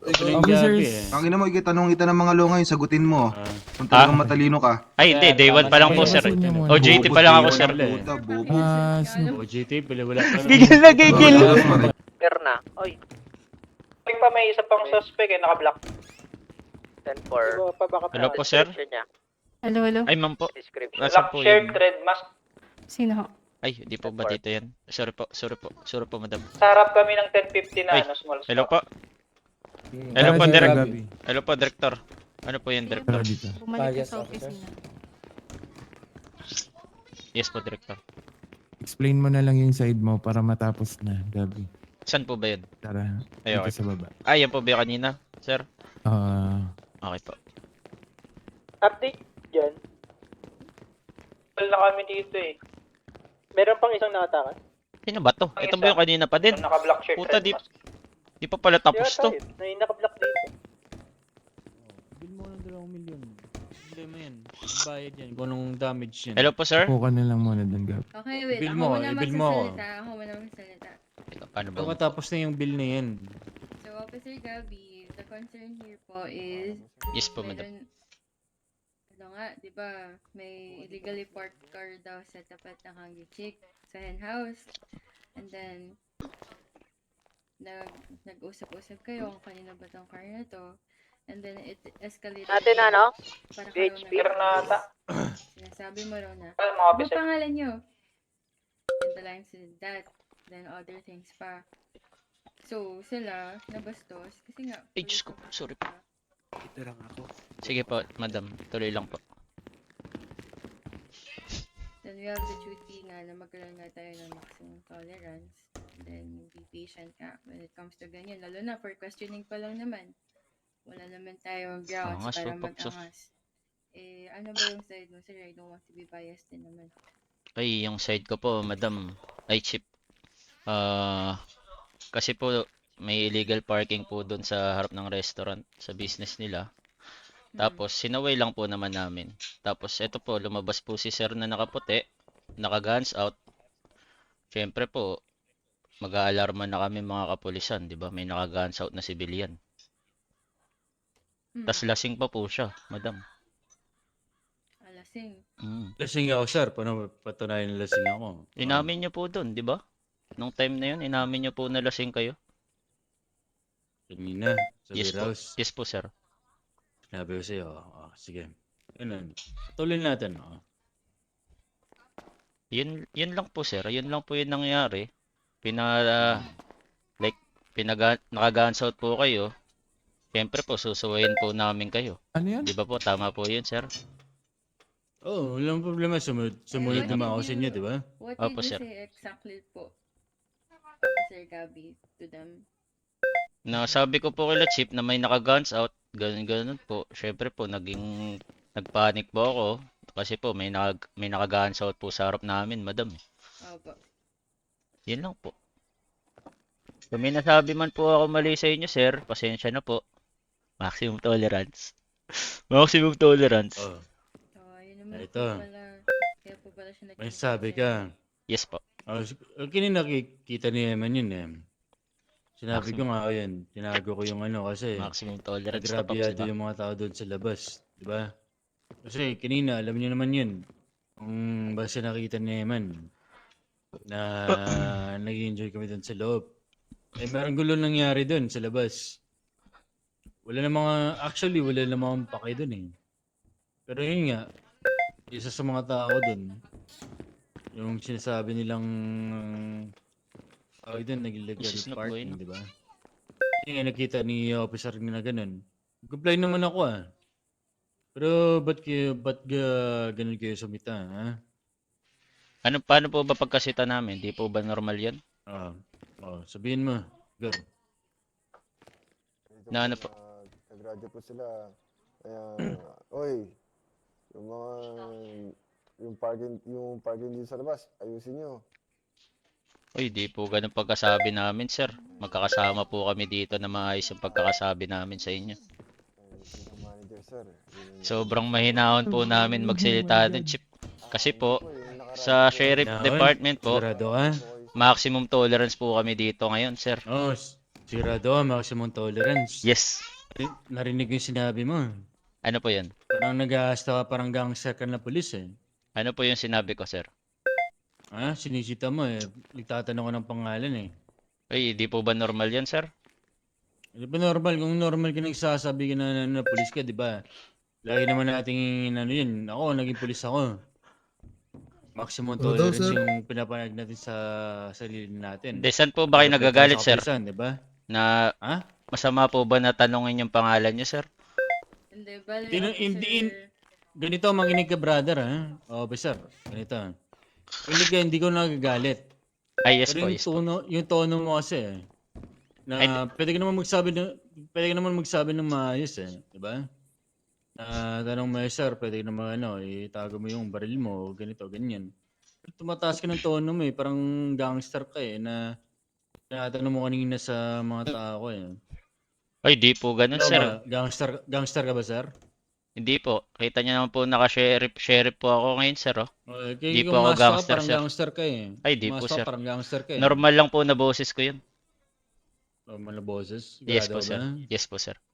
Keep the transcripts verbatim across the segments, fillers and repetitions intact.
Ikaw Yung Officers. gabi eh. Ang ina mo, ikitanong kita ng mga lungay, sagutin mo. Ah. Kung talagang matalino ka. Ay, hindi. Day one pa lang po, sir. Ayusin niyo muna. O J T pa lang ako, Bobo, sir. day one, puta, bobo. Ah, sino- O G T, pala wala pa. Gigil na gigil. Perna. Oy, Pag pa may isa pang suspect eh, naka-block. ten four. Pa baka Hello po, sir. Niya. Hello, hello. Ay, ma'am po. Description. Nasaan Black po shirt, yun? red mask. Sino ho? Ay, di po ba dito yan? Sorry po, sorry po. Sorry po, madam. Sa harap kami ng ten fifty na Ay, ano, small Hello stock. po. Hello Tara, po, Sir Direk. Gabi. Hello po, Director. Ano po yun, Director? Tara dito. Bumalik ka sa opisina. Yes po, Director. Explain mo na lang yung side mo para matapos na, Gabi. Saan po ba yun? Tara, Ay, dito okay. sa baba. Ah, yan po ba yung kanina, sir? Ah, Okay po. Update dyan. Wala na kami dito eh. Meron pang isang nakatakas. Sino ba to? Ito ba yung kanina pa din? Naka-black shirt, Puta, red di, mask. di pa pala tapos Kaya to. tayo, may naka-black dito. Bill mo ng dalawang milyon. Hindi mo yan. Bayad yan. Kung anong damage yan. Hello po, sir? upo ka na lang muna doon, Gabi. Okay, wait. Bill Ako mo, muna i-bill mo ako. magsasalita. Ako muna magsasalita. Teka, paano ba? Pagkatapos na yung bill na yan. So, Officer Gabby, the concern here po is... Yes po, madam. meron- Ano nga, di ba, may illegally parked car daw sa tapat ng Hungry Chick sa hen house. And then, nag, nag-usap-usap kayo kung kanina ba tong car na to. And then, it escalated. Natin na, no? Para H P. kayo Granada. Sinasabi mo raw na, Ano mga ano officer? pangalan nyo? And the line said that. Then other things pa. So, sila, nabastos. Kasi nga, Ay, Diyos ko. police Sorry po. officer Ito lang ako. Sige po, madam. Tuloy lang po. Then we have the duty nga na magkaroon nga tayo ng maximum tolerance. Then be patient nga when it comes to ganyan. Lalo na for questioning pa lang naman. Wala naman tayong grounds Angas, para so, pag- so- mag-angas. Eh, ano ba yung side mo, sir? I don't want to be biased din naman. Ay, yung side ko po, madam. Ay, chip. Ah, kasi po, may illegal parking po doon sa harap ng restaurant, sa business nila. Tapos, sinaway lang po naman namin. Tapos, eto po, lumabas po si sir na nakaputi, naka-guns out. Siyempre po, mag-aalarma na kami mga kapulisan, di ba? May naka-guns out na civilian. Hmm. Tapos, lasing pa po siya, madam. Alasing. Mm. Lasing ako, sir. Paano patunayan na lasing ako? Inamin niyo po doon, di ba? Nung time na yun, inamin niyo po na lasing kayo. Kanina, sa Yes po. warehouse. Yes po, sir. Sinabi ko sa'yo, oh, sige. Yun, tuloy natin. Oh. Yun, yun lang po, sir. Yun lang po yung nangyari. Pina, like, pinaga, naka-guns out po kayo. Siyempre po, susuwayin po namin kayo. Ano yan? Di ba po? Tama po yun, sir. Oo, oh, walang problema. Sumunod, sumunod What naman did ako sa you- inyo, di ba? What Opo, did you sir. say exactly po, Officer Gabby, to them? Na sabi ko po kila Chip na may naka-guns out. Ganun, ganun po. Siyempre po, naging, nagpanic po ako. Kasi po, may, naka, may naka-guns out po sa harap namin, madam. Opo. Yun lang po. Kung may nasabi man po ako mali sa inyo, sir, pasensya na po. Maximum tolerance. Maximum tolerance. Oh, So, ayun naman Ito. po pala. Kaya po pala siya may nagkita sabi sa- ka. Yes po. Oh, s- kanina nakikita ni Eman yun eh. Sinabi ko Maximum. nga, ayun, tinago ko yung ano kasi Maximum tolerance na po, nagrabyado diba? yung mga tao doon sa labas, di ba? Kasi kanina, alam niyo naman yun, kung basta nakita ni Eman na nag-enjoy kami doon sa loob. Eh, merong gulo nangyari doon sa labas. Wala na mga, actually, wala na mga pake doon eh. Pero yun nga, isa sa mga tao doon, yung sinasabi nilang tao doon, nag-illegal Isis na po parking, yun. di ba? Yung nga nakita ni officer na ganun. Comply naman ako ah. Pero ba't kayo, ba't ga, ganun kayo sumita, ha? Ano, paano po ba pagkasita namin? Di po ba normal yan? Ah, oh, sabihin mo, girl. Na ano po? Nag-graduate po sila. Kaya, oy, yung mga, yung parking, yung parking dito sa labas, ayusin nyo. Uy, di po ganun pagkasabi namin, sir. Magkakasama po kami dito na maayos yung pagkakasabi namin sa inyo. Ayusin ng manager, sir. Yun- Sobrang mahinahon po namin magsalita doon, Chip. Kasi po, Oy, yung nakaraan sa po, sheriff Naon? department po, Sigurado ka? boys. maximum tolerance po kami dito ngayon, sir. Oh, s- Sigurado ka, maximum tolerance. Yes. Nari- Narinig ko yung sinabi mo. Ano po yun? Parang nag-aasta ka, parang gangster ka na pulis eh. Ano po yung sinabi ko, sir? Ha? Sinisita mo eh. Nagtatanong ko ng pangalan eh. Ay, di po ba normal yan, sir? Di ba normal? Kung normal ka nagsasabi ka na, na, na pulis ka, di ba? Lagi naman nating ano yun. Ako, naging pulis ako. Maximum Oo daw, tolerance sir. yung pinapanag natin sa sarili natin. De, saan po ba kayo Dapat nagagalit, sa sir? kapulisan, di ba? Na Ha? masama po ba na tanongin yung pangalan niyo, sir? Hindi, bali, Hindi- officer. hindi- Ganito, makinig ka brother ha. Officer, ganito. Hindi ka, hindi ko nagagalit. Ay, yes Pero po, yung yes po. tono, yung tono mo kasi eh, na Ay, pwede ka naman magsabi ng pwede ka naman magsabi ng maayos eh, di ba? Na tanong mo, eh, sir, pwede ka naman ano, itago mo yung baril mo, ganito, ganyan. Tumataas ka ng tono mo eh, parang gangster ka eh, na tinatanong mo kanina sa mga tao eh. Ay, di po ganun, Ikaw sir. ba, gangster, gangster ka ba, sir? Hindi po. Kita niyo naman po naka-sheriff sheriff po ako ngayon, sir, oh. Uh, Di kaya po kung ako mas ka, gangster, parang sir. gangster ka eh. Ay, di Mas po, ka, sir. parang gangster ka eh. Normal lang po na boses ko yun. Normal na boses? Yes po, Sigurado sir. ba? Yes po, sir.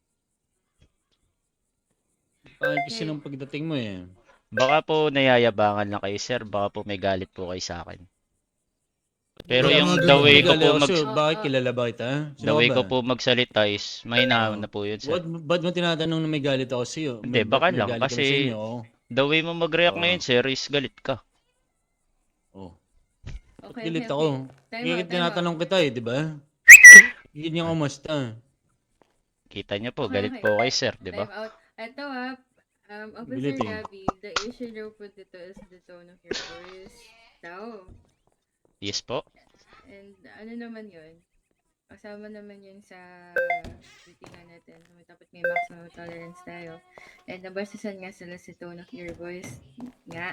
Pangit kasi nung pagdating mo eh. Baka po nayayabangan lang kayo, sir. Baka po may galit po kayo sa akin. Pero Wala yung mga the ganun. way ko Galit po ako mag sa'yo. Bakit Oo. kilala ba kita? Sino the ka way ba? ko po magsalita is mahinahan Oo. na po yun, sir. Ba't, ba't mo tinatanong na may galit ako sa'yo? Hindi, May- baka may lang, galit kami kasi sa inyo, oh. The way mo mag-react Oo. ngayon, sir, is galit ka. Oh. Ba't Okay, galit okay, ako? okay. Time Kaya out, time tinatanong kita eh, di ba? Ganyan kumusta? Kita niyo po, Okay, galit okay. po kayo, sir, di ba? Time out. Ito ah, um, Officer Bilit eh. Gabby, the issue daw po dito is the tone of your voice daw. Yes po. And ano naman yun? Kasama naman yun sa titingan natin. So, dapat may maximum tolerance tayo. And nabasasan nga sila sa tone of your voice nga.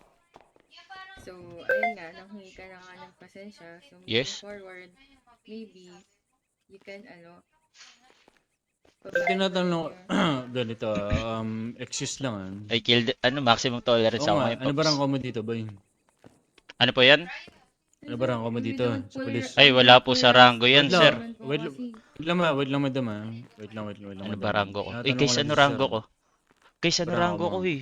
So, ayun nga, nanghingi ka na nga ng pasensya. So, moving Yes. forward, maybe, you can, ano, Ba't tinatanong, ganito, um, excuse lang ah. I killed, ano, maximum tolerance Oo ako nga, ngayon, ano ba Pops. rank mo dito, boy? Ano po yan? Ano ba rank mo dito sa pulis? Ay, wala po sa rango yan, Wait lang, sir. wait lang. Wait lang ma, wait lang madam ah. Wait lang, wait lang, wait lang. Ano madam. ba rango ko? Eh, Tinatanong guys, lang ano si rango sir. ko? Guys, ano Rango rango mo? ko eh?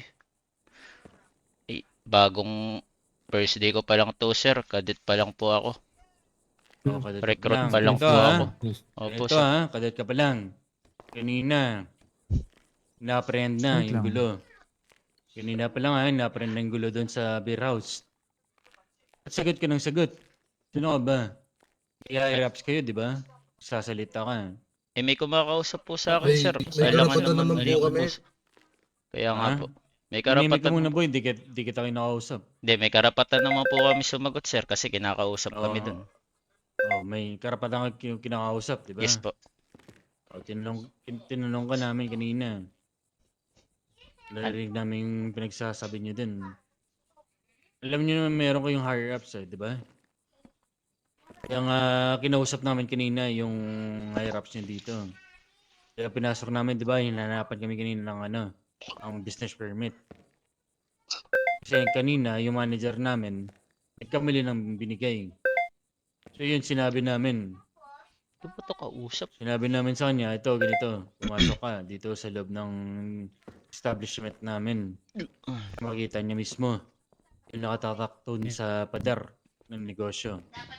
Eh, bagong first day ko pa lang to, sir. Cadet pa lang po ako. Oh, kadet ka Recruit lang. pa lang Ito, po ah. ako. Opo, Ito sir. ha, kadet ka pa lang. Kanina, na-apprehend na Wait yung lang. gulo. Kanina pa lang ha, na-apprehend na yung gulo doon sa beer house. At sagot ka ng sagot. Sino ka ba? Kaya-raps kayo, di ba? Sasalita ka. Eh, may kumakausap po sa akin, May- sir. may Kailangan karapatan naman naman ano po yung kami. boss. Kaya nga Ha? po. May Kanimik ka karapatan. muna boy, di, kita- di kita kinakausap. Hindi, may karapatan naman po kami sumagot, sir. Kasi kinakausap kami Oo. dun. Oh, may karapatan ka kin- kinakausap, di ba? Yes po. Oh, tinanong, tin- tinanong ka namin kanina. Narinig namin yung pinagsasabi niyo din. Alam niyo naman meron kayong higher ups eh, di ba? Kaya nga kinausap namin kanina yung higher ups niyo dito. Kaya pinasok namin, di ba? Hinanapan kami kanina ng ano, ang business permit. Kasi kanina, yung manager namin, nagkamali ng binigay. So yun, sinabi namin, Ito ba ito kausap? Sinabi namin sa kanya, ito, ganito, pumasok ka dito sa loob ng establishment namin. Makita niya mismo yung nakatatak doon sa pader ng negosyo.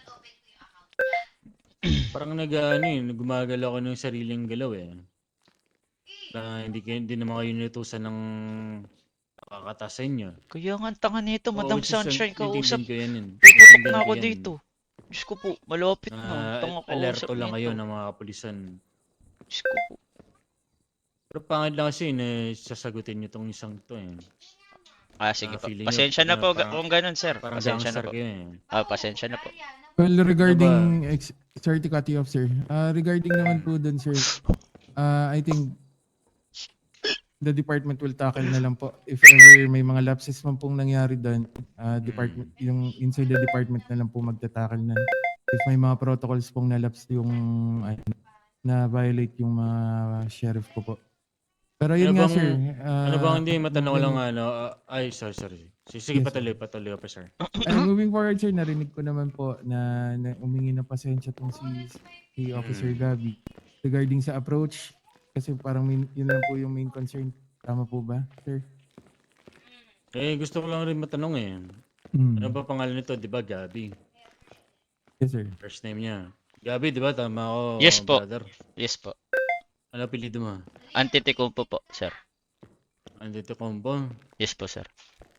Parang nag, ano eh, gumagalaw ako ng sariling galaw eh. Na hindi, kayo- hindi naman kayo nilutusan ng nakakata sa inyo. Kaya nga, ang tanga nito, Oo, Madam which is, Sunshine, intindihin kausap. ko yan yun. Puputok Intindihin na ko ako yan. dito. Diyos ko po, malapit na. Ah, Tanga alerto kausap lang nito. kayo ng mga kapulisan. Diyos ko po. Pero pangit lang kasi na sasagutin nyo tong isang to eh. Ah, sige Ah, po. feeling nyo, Pasensya na ah, po parang- kung ganun, sir. Parang Pasensya na gangster po. kayo eh. Ah, pasensya na po. Well, regarding, ex- sorry to cut you off, sir. Uh, regarding naman po dun, sir, uh, I think the department will tackle na lang po. If ever may mga lapses man pong nangyari doon, uh, department, yung inside the department na lang po magtatakal na. If may mga protocols pong nalaps yung ay, na violate yung mga sheriff ko po. Pero yun Ano nga, bang- sir. uh, Ano bang hindi matanong ko lang maging- ano, ah, ay sorry sorry. Sige, sige Yes, patuloy, patuloy, officer. Uh, moving forward, sir, narinig ko naman po na, na umingi ng pasensya tong si, si Officer Mm. Gabby regarding sa approach. Kasi parang main, yun lang po yung main concern. Tama po ba, sir? Eh, gusto ko lang rin matanong eh. Hmm. Ano ba pangalan nito, di ba, Gabi? Yes, sir. First name niya. Gabi, di ba? Tama ako, Yes po. brother. Yes po. Ano apelido mo? Antetokounmpo po, sir. Antetokounmpo? Yes po, sir.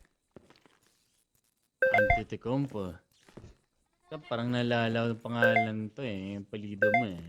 Antetokounmpo. Parang naalala ko yung pangalan to eh. Yung apelido mo eh.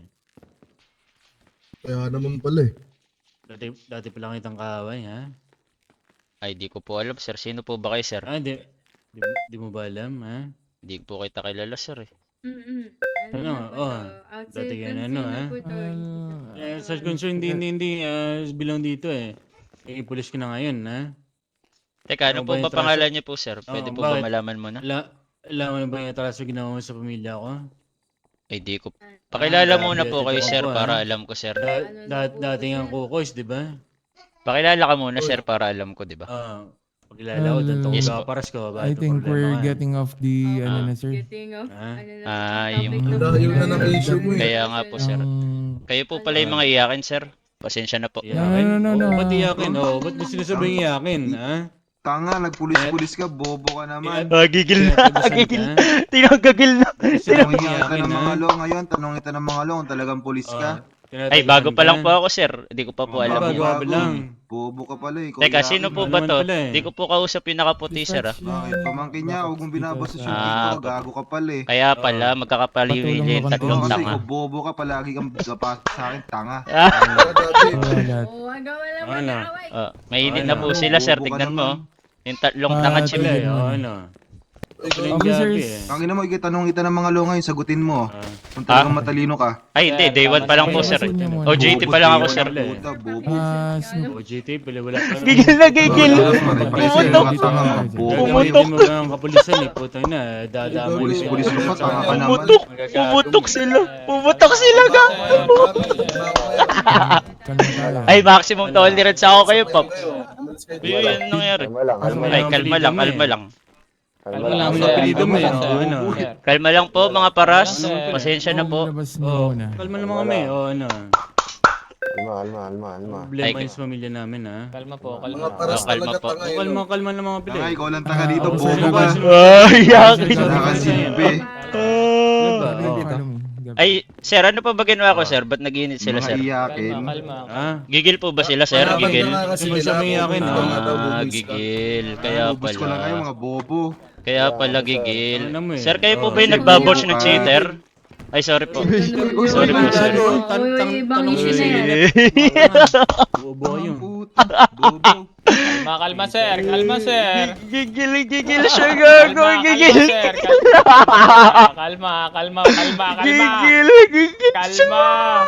Kaya naman pala eh. Dati, dati pala kitang kaaway, ha? Ay, di ko po alam, sir. Sino po ba kayo, sir? Ah, di, di, mo- di mo ba alam, ha? Di po kita kilala, sir eh. Mm-mm. Ano, na po oh, to? Outside dati ka na, concern ano, na ha? po to. Ah, Eh, sa concern, hindi, hindi, hindi, ah, bilang dito eh. Eh, pulis ka na ngayon, ha? Teka, ano Ano po ba yung ba pangalan niyo po, sir? Pwede Oo, po ba bakit? malaman mo na? Ala, alam mo na ba yung atraso ginawa mo sa pamilya ko? Ay, di ko. Pakilala Ah, muna grabe, po kayo, ito sir, ako, para ah. alam ko, sir. Da, Ano da, na po dating ba, ang sir? kukos, di ba? Pakilala ka muna, sir, para alam ko, di ba? Ah, pagkilala ko, doon Well, yes, Yes po. paras ko. I Bakit think problema we're ka? getting off the, Oh, ano Ah. na, sir. Getting off. Ah? Ano na, Ah, topic yung- na po Ang layo na natin. ng issue mo eh. Kaya nga po, sir. Ang- Kayo po pala yung mga iyakin, sir. Pasensya na po. Iyakin? No, no, no, Oo, no. ba't iyakin? Oo, ba't mo sinasabing iyakin, ha? Tanga, nagpulis-pulis ka, bobo ka naman. Ah, gigil na. Tinatabasan Gigil. ka? Tinagagil na. Tanongin Sinasabing kita iyakin, ng ha? mga lo ngayon, tanong kita ng mga lo kung talagang pulis Oo, ka. tinatabasan Ay, bago pa ka? lang po ako, sir. Hindi ko pa po Mga alam. bago yun. pa lang. Bobo ka pala eh. Teka, Kuya, sino po Ano ba naman to? pala eh. Di ko po kausap yung nakaputi, sir, ah. Bakit? Pamangkin niya, huwag mong binabastos yung Ah, dito. pa- Gago ka pala eh. Kaya pala, magkakapaliwili Patulong yung mo tatlong Oo, kasi tanga. ikaw bobo ka, palagi kang gapa sa akin, tanga. Ah, Wala. Oo, wag ka wala Ano? mag-aaway. ah, mainit Ano? na po sila, sir. Bobo ka Tignan mo. naman. Yung tatlong Ah, tanga tignan chip. Sila eh, mo. oo, ano? Sila yung Officers. gabi eh. Tangina mo, ikitanong kita ng mga lo ngayon, sagutin mo. Ah. Kung talagang matalino ka. Ay, hindi. Day one pa lang po, sir. Babasin niyo muna. O J T pa lang ako, sir. Wala eh. Puta, bobo. Ah, Snoop. O G T, pala wala pa. Gigil na gigil. Pumutok. Pumutok. Hindi mo ba ang kapulisan eh, putang na, dadamay. Pulis-pulis ka pa, tanga ka naman. Pumutok. Pumutok sila. Pumutok sila, ga. Kalma tayo. Ay, maximum tolerance ako kayo, Pops. Yun yung nangyari. Kalma lang, kalma Ay, lang. kalma lang, kalma lang. Kalma Wala lang. Ang sir. apelido mo eh, Kalma oo, lang, ano? sir. Kalma lang po, mga paras. Wala, sir. Pasensya na po. Labas niyo Oh, muna. kalma naman kami, o ano. Kalma, kalma, kalma, kalma. Problema Ay, yun sa pamilya namin, ha. Kalma po, kalma. Mga paras Oh, kalma po. O, kalma, kalma ng mga pila. Tanga, eh. ikaw lang tanga dito, Ah, bobo Sino ka. ba? Sino- Ay, yakin. Wala kang silbi. Ano ba? Ano Oh. follow me? Gabi. Ay, sir, ano pa ba ginawa ko, sir? Ba't nag-iinit sila, Mga sir? iyakin. Kalma, kalma. Ha? Gigil po ba sila, sir? Kalma, Gigil? kalma. Kasi may sabi akin, Ikaw nga daw, Ah, bubis ka. gigil. Kaya Bubus ko lang kayo, pala. mga bobo. Kaya pala gigil. Ano mo eh? Sir, kayo po Oh. ba yung nagbabosh ng cheater? Ay, sorry po. Sorry po, sir. Oo, Tan- tan- ibang tanong issue si na yan. Bobo yun. Puta, bobo. Kalma, kalma, sir. Kalma, sir. Gigil, gigil siya, gago. Kalma, Gigil. kalma, sir. Kalma, kalma, kalma, kalma, kalma. Gigil, gigil. Kalma.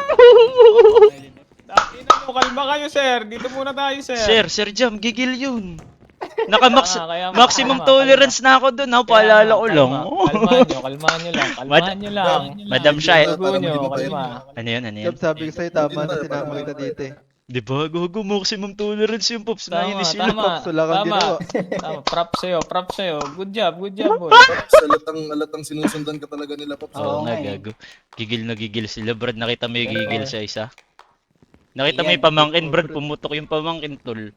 Ina mo, kalma kayo, sir. Dito muna tayo, sir. Sir, Sir Jam, gigil yun. Naka-max, Ah, kaya nga, maximum kalma, tolerance na ako doon. Ha, paalala ko lang. Kalmahan nyo, kalmahan nyo lang. Kalmahan nyo lang. Madam Shai. Dugo nyo, kalma. Ano yun, ano yun? Sabi ko sa'yo, tama na sinama kita dito eh. Di ba, gogo, maximum tolerance yung Pops. Tama, Nainis sila. tama, Pops, wala kang tama. ginawa. Tama, prop sa'yo, prop sa'yo. Good job, good job, boy. Oh, Alatang sinusundan ka talaga nila, Pops. Oo Oo nga, nga eh. gago. Gigil na gigil sila, Brad. Nakita mo yung gigil Oo. sa isa. Nakita mo yung pamangkin, Brad. Pumutok yung pamangkin, tol.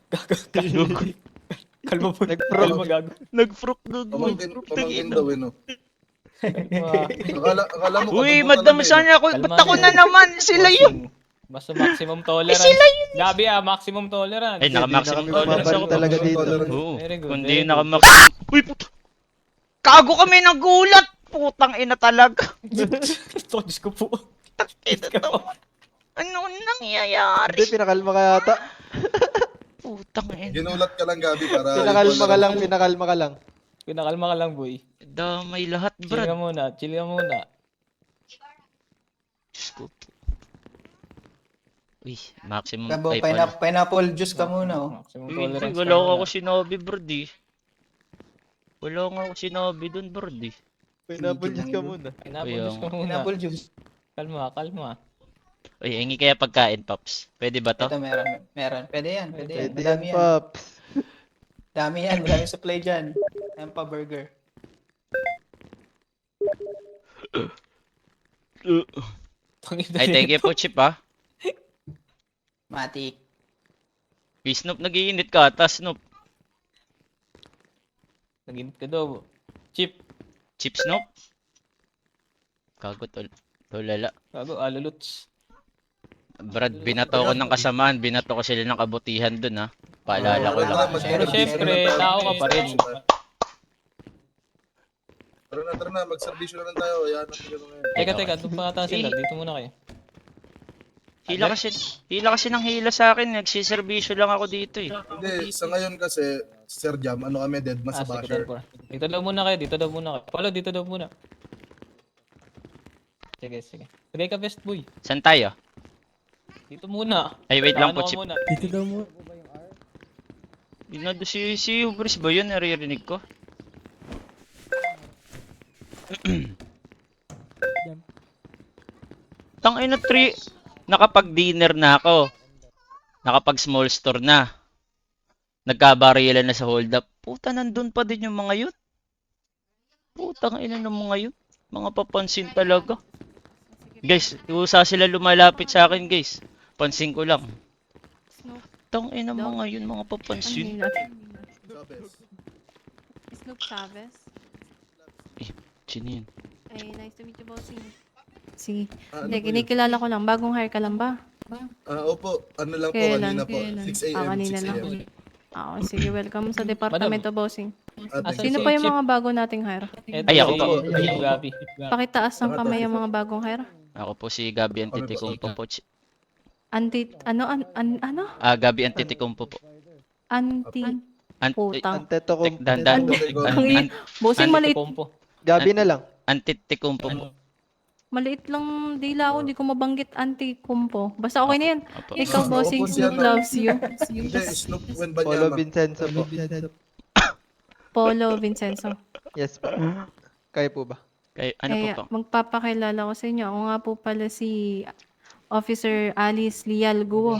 Kalma po. Nag-prop. Kalma, gago. Nag-frock, gago. Pamangkin daw eh, no? Akala, akala mo, Uy, kababata madam, na eh, no? sana ako. Kalma Ba't ako din. na naman? Sila yun. Basta maximum tolerance. sila Gabi ah, maximum tolerance. Ay, naka-maximum Hindi na kami tolerance bumabalik ako. talaga dito. Oo. Very good, Kundi very good. naka-maximum. Uy, puto. Kago kami nagulat. Putang ina talaga. Ito, Diyos ko po. Ina to. Ano nangyayari? Hindi, pinakalma ka yata. Putang ina. Ginulat ka lang, Gabi, para... Pinakalma ka lang, pinakalma ka lang. Pinakalma ka lang, boy. Damay lahat, Chill Brad. ka muna, chill ka muna. Diyos ko po. Uy, maximum Kabo, ay pina- pala. pineapple juice ka muna, oh. Maximum Uy, tolerance Uy, ka wala ko muna. ako sinabi, Brad eh. Wala nga ako sinabi dun, Brad eh. Pineapple juice ka muna. Pineapple Uy, juice ka muna. Pineapple juice. Kalma, kalma. Uy, hingi kaya pagkain, Pops. Pwede ba to? Ito meron, meron. Pwede yan, pwede yan. Pwede yan, Madami yan. Pops. Dami yan, maraming supply dyan. Ayan pa, burger. Ay, thank you po, Chip, ah. Matik. Hey, Snoop, nag-iinit ka ata, Snoop. Naginit ka daw. Chip. Chip Snoop? Kago, tol. Tolala. Gago, aluluts. Brad, binato ko ng kasamaan. Binato ko sila ng kabutihan dun, ha. Paalala ko lang. Pero syempre, tao ka pa rin. Tara na, tara na. Mag-servisyo na lang tayo. Ayan natin yun ngayon. Teka, teka, doon pa ata sila. Eh. Dito muna kayo. Hila kasi, hila kasi ng hila sa akin. Nagsiservisyo lang ako dito, eh. Hindi, sa ngayon kasi, Sir Jam, ano kami, dead mas Ah, sa sige, basher. ten four. Dito daw muna kayo, dito daw muna kayo. Palo, dito daw muna. Sige, sige. Tagay ka, best boy. Saan tayo? Dito muna. Ay, wait lang Ano po, ka Chip. muna. Dito daw mo. Inado si, si Hubris ba yun? Naririnig ko. Tangina three. Nakapag-dinner na ako. Nakapag-small store na. Nagkabarilan na sa hold up. Puta, nandun pa din yung mga yun. Putang ina ng mga yun. Mga papansin talaga. Guys, usa sila lumalapit sa akin, guys. Pansin ko lang. Snoop. Tang ina mga yun, mga Ano papansin. yun natin? Snoop Chavez. Sino yun? Ay, nice to meet you, bossing. Sige. Ah, ano Hindi, po yun? kinikilala ko lang. Bagong hire ka lang ba? Ah, opo. Ano lang po, Kailan? kanina po. Kailan? six Ah, a.m. kanina six lang. a.m. Oo, sige. Welcome sa departamento, bossing. Ah, Ah, thank Sino you. pa yung mga bago nating hire? Eto, Ay, ako si- po. si Gabi. Pakitaas ng kamay yung mga bagong hire. Ako po si Gabi Antitikumpo po. Ch- Anti, ano, an, an, ano? Ah, Gabi Antitikumpo po. Anti, Ant- putang. Anteto ko. Tek, dandan. Ang i- Bossing maliit. Kompo. Gabi na lang. Antitikumpo po. Maliit lang dila ako, hindi ko mabanggit anti-kumpo. Basta okay na yan. Opo. Ikaw, bossing, Opo, Snoop siya, no? loves you. Hindi, Snoop when Polo Banyama. Vincenzo po. Polo Vincenzo. Yes po. Kayo po ba? Kay, ano po Kaya po? magpapakilala ko sa inyo. Ako nga po pala si Officer Alice Lial Guo.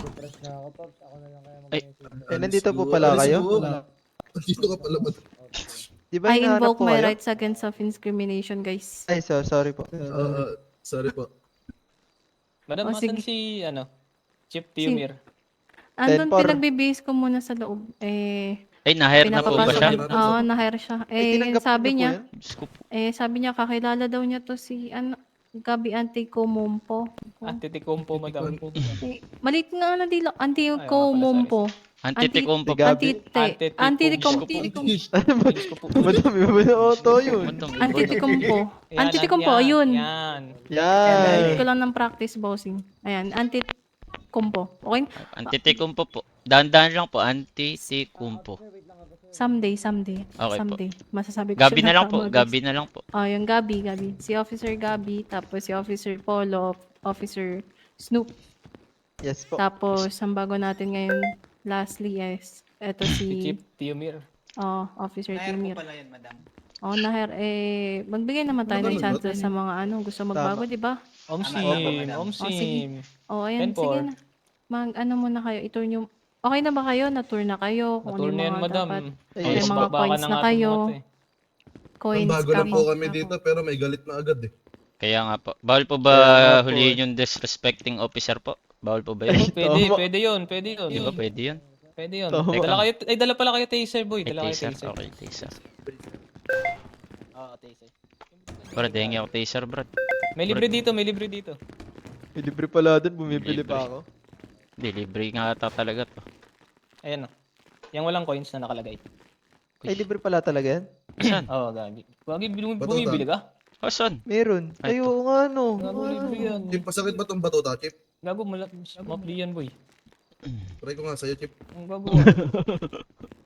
Ay, Eh, nandito po pala kayo? Dito ka pala ba? Di ba I hinahanap invoke po my kayo? rights against self-incrimination, guys. Ay, so, sorry po. Ah, sorry po. Madam, Oh, asan sige. si, ano, Chip Tiumir? Andun, Ten por. pinagbibihis ko muna sa loob. Eh, Ay, na-hire na po ba pinapapasok. siya? yun- Oo, na-hire siya. Ay, Eh, tinanggap sabi niyo po niya, yan? Diyos ko po. eh, sabi niya, kakilala daw niya to si, ano, Gabi Antikomumpo. Antitikumpo, madam. Eh, malit nga na dila, Ay, Antikomumpo. Antitikumpo Si po. Gabi. Antite. Antitikumpo. Antikompo. Diyos ko po. Madami ba na auto yun? Matong- Antikompo. Yan, Antikompo, yan, ayun. Yan. Ayan, Yan. ko lang ng practice bossing. Ayan, antikompo. Okay? Antitikumpo po. Dahan-dahan lang po. Antitikumpo. Someday, someday. Okay po. someday. Masasabi ko Gabi siya na ng lang po. tama, guys. Gabi na lang po. Oh, yung Gabi, Gabi. Si Officer Gabi, tapos si Officer Polo, Officer Snoop. Yes po. Tapos, ang bago natin ngayon, lastly, is, eto Si si, Chip Tiumir. oh, Officer Timir. pala yan, madam. Oh, naher, eh, magbigay naman tayo ng Ano ba? chance sa mga ano, gusto magbago, di ba? Omsim, Oh, Omsim. Oh, ayan, ten sige four. na. Mag, ano muna kayo, i-tour nyo. Okay na ba kayo? Na-tour na kayo? Kung Naturn ano na yan, yung mga madam. dapat. Ay, May yes, mga baka coins na na nga kayo. tumuot eh. Coins Bago lang ka po kami dito, pero may galit na agad eh. Kaya nga po. Bawal po ba Kaya nga po huliin yung disrespecting officer po? Bawal po ba Oh, yun? pwede, Tama. pwede yun, pwede yun. Di ba pwede yun? Pwede yun. Tama. Dala kayo, ay dala pala kayo taser boy, Ay, dala kayo taser. taser. Okay, taser. Oo, taser. Brad, hingi ako taser, Brad. May libre dito, may libre dito. May libre pala dun, bumibili pa ako. Hindi, libre nga ata talaga to. Ayan o. Yung walang coins na nakalagay. Ay, libre pala talaga yan? Saan? Oo, oh, gagi. Gagi, bum- Batuta. bumibili ka? Asan? Meron. Ay, Ay, oo nga, no. Gago, libre yan. Chip, pasakit ba tong batuta, Chip? Gago, mala- mapli yan boy. Try ko nga sa'yo, Chip. Ang gago.